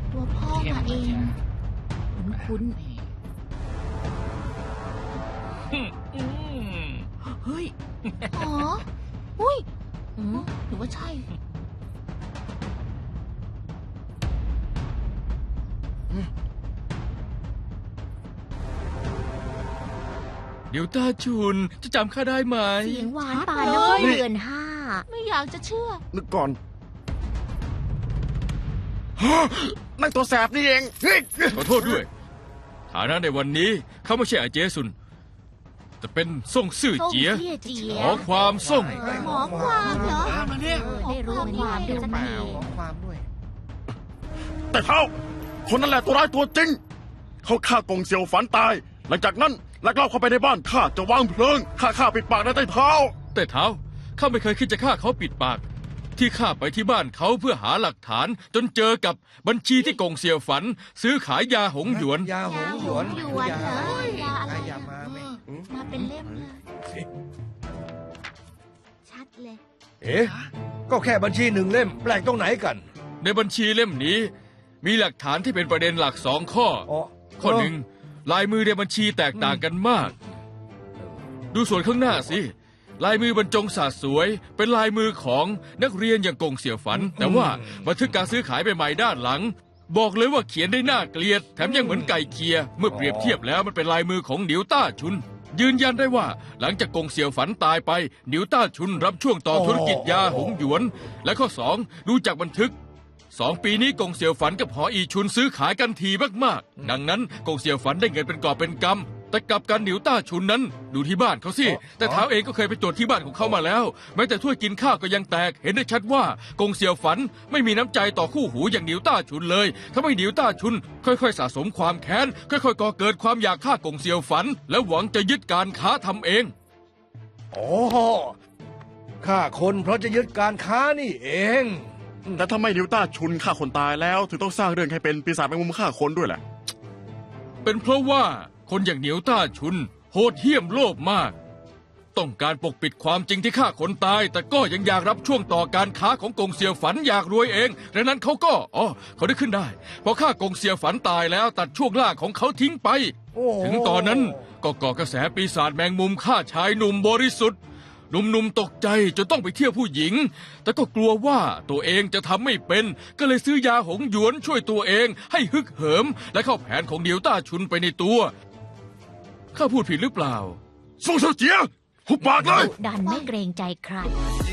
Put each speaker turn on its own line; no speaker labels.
ตัวพ่อมาเองคุ้นเฮ้ยอ๋ออุ้ยหรือว่าใช่
เดี๋ยวตาชุนจะจำข้าได้ไหม
เสียงหวานป่านน้อยเดือน5ไม่อยากจะเชื่อ
นึกก่อนนั่นตัวแสบนี่เอง
ขอโทษด้วยฐานะในวันนี้เขาไม่ใช่อาเจซุนแต่เป็นส่งซื่อเจียขอความส่ง
หมอความเหรอ
ได้รู้ความด้วยสักที
แต่เท่าคนนั่นแหละตัวร้ายตัวจริงเขาฆ่ากงเซียวฝันตายหลังจากนั้นลักลอบเข้าไปในบ้านข้าจะวางเพลิงฆ่าปิดปากในใต้เท้า
แต่เท้าข้าไม่เคยคิดจะฆ่าเขาปิดปากที่ข้าไปที่บ้านเขาเพื่อหาหลักฐานจนเจอกับบัญชีที่กงเซียวฝันซื้อขายยาหงหยวน
ยาหงหยวน
เหรอยาอะไร
ยามาไหม
มาเป็นเล่มเลยชัดเลย
ก็แค่บัญชี1 เล่มแปลกตรงไหนกัน
ในบัญชีเล่มนี้มีหลักฐานที่เป็นประเด็นหลัก2 ข้อข้อ 1ลายมือในบัญชีแตกต่างกันมากดูส่วนข้างหน้าสิลายมือบรรจงสาดสวยเป็นลายมือของนักเรียนอย่างกงเสี่ยวฝันแต่ว่าบันทึกการซื้อขายใหม่ด้านหลังบอกเลยว่าเขียนได้น่าเกลียดแถมยังเหมือนไก่เคียเมื่อเปรียบเทียบแล้วมันเป็นลายมือของหนิวต้าชุนยืนยันได้ว่าหลังจากกงเสี่ยวฝันตายไปหนิวต้าชุนรับช่วงต่อธุรกิจยาหงหยวนและข้อ2ดูจากบันทึก2 ปีนี้กงเสี่ยวฝันกับหออีชุนซื้อขายกันทีมากๆดังนั้นกงเสี่ยวฝันได้เงินเป็นกอบเป็นกำแต่กลับกันหนิวต้าชุนนั้นดูที่บ้านเขาสิแต่เท้าเองก็เคยไปตรวจที่บ้านของเขามาแล้วแม้แต่ถ้วยกินข้าวก็ยังแตกเห็นได้ชัดว่ากงเสี่ยวฝันไม่มีน้ำใจต่อคู่หูอย่างหนิวต้าชุนเลยทำให้หนิวต้าชุนค่อยๆสะสมความแค้นค่อยๆก่อเกิดความอยากฆ่ากงเสี่ยวฝันและหวังจะยึดการค้าทำเอง
ฆ่าคนเพราะจะยึดการค้านี่เอง
แต่ทำไมนิวต้าชุนฆ่าคนตายแล้วถึงต้องสร้างเรื่องให้เป็นปีศาจแมงมุมฆ่าคนด้วยแหละ
เป็นเพราะว่าคนอย่างเหนียวต้าชุนโหดเหี้ยมโลภมากต้องการปกปิดความจริงที่ฆ่าคนตายแต่ก็ยังอยากรับช่วงต่อการค้าของกงเสี่ยวฝันอยากรวยเองดังนั้นเขาก็เขาได้ขึ้นได้พอฆ่ากงเสี่ยวฝันตายแล้วตัดช่วงล่างของเขาทิ้งไปถึงตอนนั้นก็ก่อกระแสปีศาจแมงมุมฆ่าชายหนุ่มบริสุทธิ์หนุ่มๆตกใจจนต้องไปเที่ยวผู้หญิงแต่ก็กลัวว่าตัวเองจะทำไม่เป็นก็เลยซื้อยาหงหยวนช่วยตัวเองให้ฮึกเหิมและเข้าแผนของเหนียวต้าชุนไปในตัวข้าพูดผิดหรือเปล่า
ส่งเสเจียหุบปากเลย
ดันไม่เกรงใจใคร